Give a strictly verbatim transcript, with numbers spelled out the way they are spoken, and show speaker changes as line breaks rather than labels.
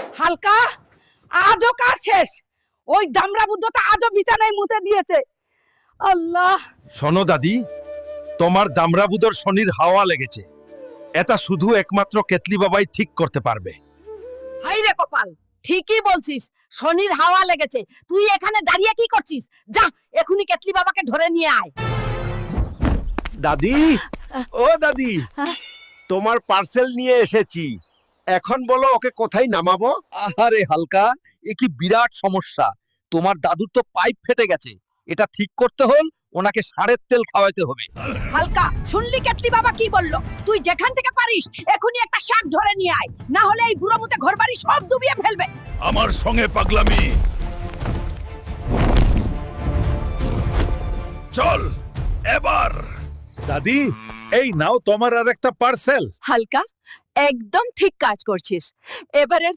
হালকা আজও কাজ শেষ। ওই দামড়া বুদ্ধটা আজও বিছানায় মুতে দিয়েছে। আল্লাহ,
শোনো দাদি, তোমার দামরাবুদর শনির হাওয়া লেগেছে। এটা শুধু একমাত্র কেতলি বাবাই ঠিক করতে পারবে।
হাই রে কপাল, ঠিকই বলছিস, শনির হাওয়া লেগেছে। তুই এখানে দাঁড়িয়ে কি করছিস? যা এখনি কেতলি বাবাকে ধরে নিয়ে আয়।
দাদি, ও দাদি, তোমার পার্সেল নিয়ে এসেছি। এখন বলো ওকে কোথায় নামাবো?
আহারে হালকা, এ কি বিরাট সমস্যা। তোমার দাদুর তো পাইপ ফেটে গেছে। এটা ঠিক করতে হল ওনাকে ষাঁড়ের তেল খাওয়াতে হবে।
হালকা, শুনলি কেতলি বাবা কি বললো? তুই যেখান থেকে পারিস এখনি একটা শাক ধরে নিয়ে আয়, না হলে এই বুড়ো মুতে ঘরবাড়ি সব ডুবিয়ে ফেলবে।
আমার সঙ্গে পাগলামি। চল এবার। দাদি, এই নাও তোমার আর একটা পার্সেল।
হালকা, একদম ঠিক কাজ করছিস। এবারের